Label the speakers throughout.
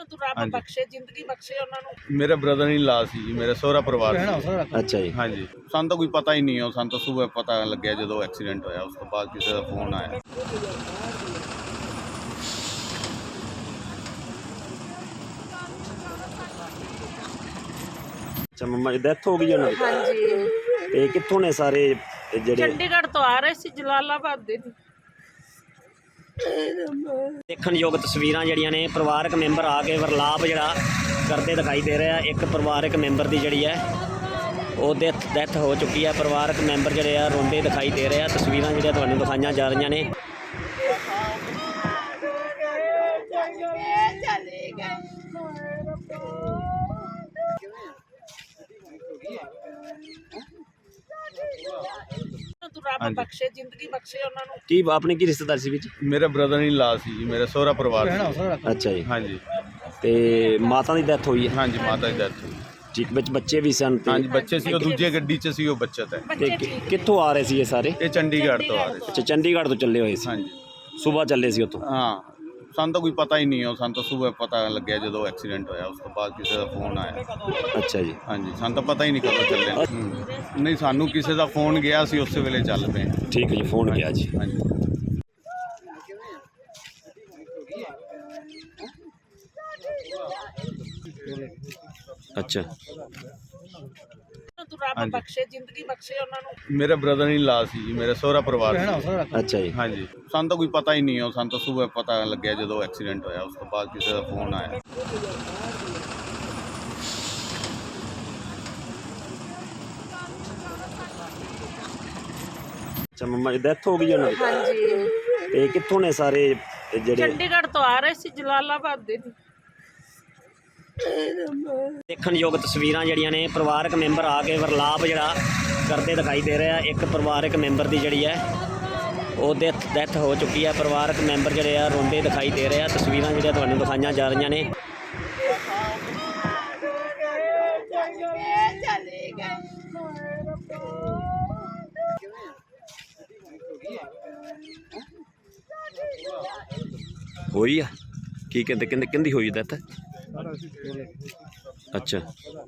Speaker 1: ਤੂੰ ਰੱਬ ਬਖਸ਼ੇ, ਜ਼ਿੰਦਗੀ ਬਖਸ਼ੇ ਉਹਨਾਂ ਨੂੰ।
Speaker 2: मेरा ब्रदर इन ला सी जी, मेरा सोहरा परिवार सी।
Speaker 3: अच्छा जी।
Speaker 2: हाँ जी, ਸਾਨੂੰ ਤਾਂ ਕੋਈ ਪਤਾ ਹੀ ਨਹੀਂ ਹੈ। ਸਾਨੂੰ ਤਾਂ ਸਵੇਰ ਪਤਾ ਲੱਗਿਆ ਜਦੋਂ ਐਕਸੀਡੈਂਟ ਹੋਇਆ, ਉਸ ਤੋਂ ਬਾਅਦ ਕਿਸੇ ਦਾ ਫੋਨ ਆਇਆ।
Speaker 3: अच्छा मम्मा की डेथ हो गई उन्होंने?
Speaker 1: हाँ जी,
Speaker 3: ते कित्थों ने सारे जेड़े?
Speaker 1: चंडीगढ़ तो आ रहे सी जलालाबाद दे।
Speaker 3: ਦੇਖਣਯੋਗ ਤਸਵੀਰਾਂ ਜਿਹੜੀਆਂ ਨੇ ਪਰਿਵਾਰਕ ਮੈਂਬਰ ਆ ਕੇ ਵਰਲਾਪ ਜਿਹੜਾ ਕਰਦੇ ਦਿਖਾਈ ਦੇ ਰਿਹਾ। ਇੱਕ ਪਰਿਵਾਰਕ ਮੈਂਬਰ ਦੀ ਜਿਹੜੀ ਹੈ ਉਹ ਡੈਥ ਹੋ ਚੁੱਕੀ ਹੈ। ਪਰਿਵਾਰਕ ਮੈਂਬਰ ਜਿਹੜੇ ਆ ਰੋਂਦੇ ਦਿਖਾਈ ਦੇ ਰਹੇ ਆ। ਤਸਵੀਰਾਂ ਜਿਹੜੀਆਂ ਤੁਹਾਨੂੰ ਦਿਖਾਈਆਂ ਜਾ ਰਹੀਆਂ ਨੇ।
Speaker 1: ਤੂੰ ਰੱਬ ਬਖਸ਼ੇ, ਜ਼ਿੰਦਗੀ ਬਖਸ਼ੇ ਉਹਨਾਂ ਨੂੰ।
Speaker 3: ਕੀ ਆਪਣੀ ਕੀ ਰਿਸ਼ਤੇਦਾਰ ਸੀ ਵਿੱਚ?
Speaker 2: ਮੇਰਾ ਬ੍ਰਦਰ इन ला सी जी, मेरा सोहरा परिवार सी।
Speaker 3: ਅੱਛਾ ਜੀ।
Speaker 2: हाँ जी,
Speaker 3: ਤੇ ਮਾਤਾ ਦੀ ਡੈਥ ਹੋਈ ਹੈ?
Speaker 2: हाँ जी, माता की डेथ हुई।
Speaker 3: ਠੀਕ, ਵਿੱਚ ਬੱਚੇ ਵੀ ਸਨ?
Speaker 2: हाँ जी, बच्चे सी, दूजे गड्डी च सी, वो बच्चा था।
Speaker 3: ਤੇ ਕਿੱਥੋਂ ਆ ਰਹੇ ਸੀ ਇਹ ਸਾਰੇ?
Speaker 2: ये चंडीगढ़ तो आ रहे थे।
Speaker 3: ਅੱਛਾ, ਚੰਡੀਗੜ੍ਹ ਤੋਂ ਚੱਲੇ ਹੋਏ ਸੀ।
Speaker 2: हाँ जी,
Speaker 3: ਸਵੇਰ ਚੱਲੇ ਸੀ ਉੱਥੋਂ?
Speaker 2: ਹਾਂ ਸਾਨੂੰ ਤਾਂ ਕੋਈ ਪਤਾ ਹੀ ਨਹੀਂ ਹੈ। ਸਾਨੂੰ ਤਾਂ ਸਵੇਰ ਪਤਾ ਲੱਗਿਆ ਜਦੋਂ ਐਕਸੀਡੈਂਟ ਹੋਇਆ, ਉਸ ਤੋਂ ਬਾਅਦ ਕਿਸੇ ਦਾ ਫੋਨ ਆਇਆ।
Speaker 3: ਅੱਛਾ ਜੀ।
Speaker 2: ਹਾਂਜੀ, ਸਾਨੂੰ ਤਾਂ ਪਤਾ ਹੀ ਨਹੀਂ ਕਦੋਂ ਚੱਲੇ। ਨਹੀਂ, ਸਾਨੂੰ ਕਿਸੇ ਦਾ ਫੋਨ ਗਿਆ, ਸੀ ਉਸੇ ਵੇਲੇ ਚੱਲ ਪਏ।
Speaker 3: ਠੀਕ ਹੈ ਜੀ, ਫੋਨ ਗਿਆ ਜੀ।
Speaker 2: ਹਾਂਜੀ।
Speaker 3: ਅੱਛਾ,
Speaker 1: ਤੂੰ ਰੱਬ ਬਖਸ਼ੇ, ਜ਼ਿੰਦਗੀ ਬਖਸ਼ੇ ਉਹਨਾਂ ਨੂੰ।
Speaker 2: ਮੇਰਾ ਬ੍ਰਦਰ इन ला सी जी, मेरा सोहरा परिवार सी।
Speaker 3: ਅੱਛਾ ਜੀ।
Speaker 2: ਹਾਂਜੀ, ਸਾਨੂੰ ਤਾਂ ਕੋਈ ਪਤਾ ਹੀ ਨਹੀਂ ਹੈ। ਸਾਨੂੰ ਤਾਂ ਸਵੇਰ ਪਤਾ ਲੱਗਿਆ ਜਦੋਂ ਐਕਸੀਡੈਂਟ ਹੋਇਆ, ਉਸ ਤੋਂ ਬਾਅਦ ਕਿਸੇ ਦਾ ਫੋਨ ਆਇਆ।
Speaker 3: ਅੱਛਾ ਮम्मा की डेथ ਹੋ ਗਈ ਉਹਨਾਂ ਦੀ?
Speaker 1: हाँ जी,
Speaker 3: ਤੇ ਕਿੱਥੋਂ ਨੇ ਸਾਰੇ ਜਿਹੜੇ?
Speaker 1: चंडीगढ़ तो आ रहे सी जलालाबाद दे।
Speaker 3: ਦੇਖਣਯੋਗ ਤਸਵੀਰਾਂ ਜਿਹੜੀਆਂ ਨੇ ਪਰਿਵਾਰਕ ਮੈਂਬਰ ਆ ਕੇ ਵਰਲਾਪ ਜਿਹੜਾ ਕਰਦੇ ਦਿਖਾਈ ਦੇ ਰਿਹਾ। ਇੱਕ ਪਰਿਵਾਰਕ ਮੈਂਬਰ ਦੀ ਜਿਹੜੀ ਹੈ ਉਹ ਡੈਥ ਹੋ ਚੁੱਕੀ ਹੈ। ਪਰਿਵਾਰਕ ਮੈਂਬਰ ਜਿਹੜੇ ਆ ਰੋਂਦੇ ਦਿਖਾਈ ਦੇ ਰਹੇ ਆ। ਤਸਵੀਰਾਂ ਜਿਹੜੀਆਂ ਤੁਹਾਨੂੰ ਦਿਖਾਈਆਂ ਜਾ ਰਹੀਆਂ ਨੇ। ਹੋਈ ਆ ਕੀ ਕਹਿੰਦੇ ਕਹਿੰਦੀ ਹੋਈ ਡੈਥ? ਅੱਛਾ।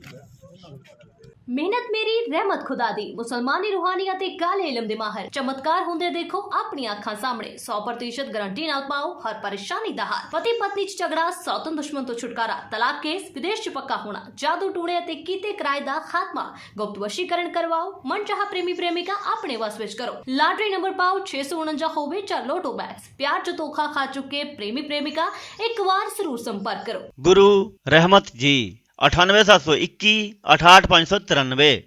Speaker 4: ਮਿਹਨਤ ਮੇਰੀ ਰਹਿਮਤ ਖੁਦਾ ਦੀ। ਮੁਸਲਮਾਨੀ ਰੂਹਾਨੀ ਅਤੇ ਕਾਲੇ ਇਲਮ ਦੇ ਮਾਹਰ ਚਮਤਕਾਰ ਹੁੰਦੇ ਦੇਖੋ ਆਪਣੀਆਂ ਅੱਖਾਂ ਸਾਹਮਣੇ। 100% ਗਾਰੰਟੀ ਨਾਲ ਪਾਓ ਹਰ ਪਰੇਸ਼ਾਨੀ ਦਾ ਹੱਲ। ਪਤੀ ਪਤਨੀ ਚ ਝਗੜਾ, ਸੌਤਨ ਦੁਸ਼ਮਣ ਤੋਂ ਛੁਟਕਾਰਾ, ਤਲਾਕ ਕੇਸ, ਵਿਦੇਸ਼ ਚ ਪੱਕਾ ਹੋਣਾ, ਜਾਦੂ ਟੂਣੇ ਅਤੇ ਕੀਤੇ ਕਿਰਾਏ ਦਾ ਖਾਤਮਾ, ਗੁਪਤ ਵਸ਼ੀਕਰਨ ਕਰਵਾਓ, ਮਨਚਾਹਾ ਪ੍ਰੇਮੀ ਪ੍ਰੇਮਿਕਾ ਆਪਣੇ ਵਸ ਵਿੱਚ ਕਰੋ। ਲਾਟਰੀ ਨੰਬਰ ਪਾਓ 649 ਹੋਵੇ ਜਾਂ ਲੋਟੋ ਬੈਗਸ। ਪਿਆਰ ਚ ਧੋਖਾ ਖਾ ਚੁੱਕੇ ਪ੍ਰੇਮੀ ਪ੍ਰੇਮਿਕਾ ਇੱਕ ਵਾਰ ਜ਼ਰੂਰ ਸੰਪਰਕ ਕਰੋ।
Speaker 5: गुरु रहमत जी 98721 68593।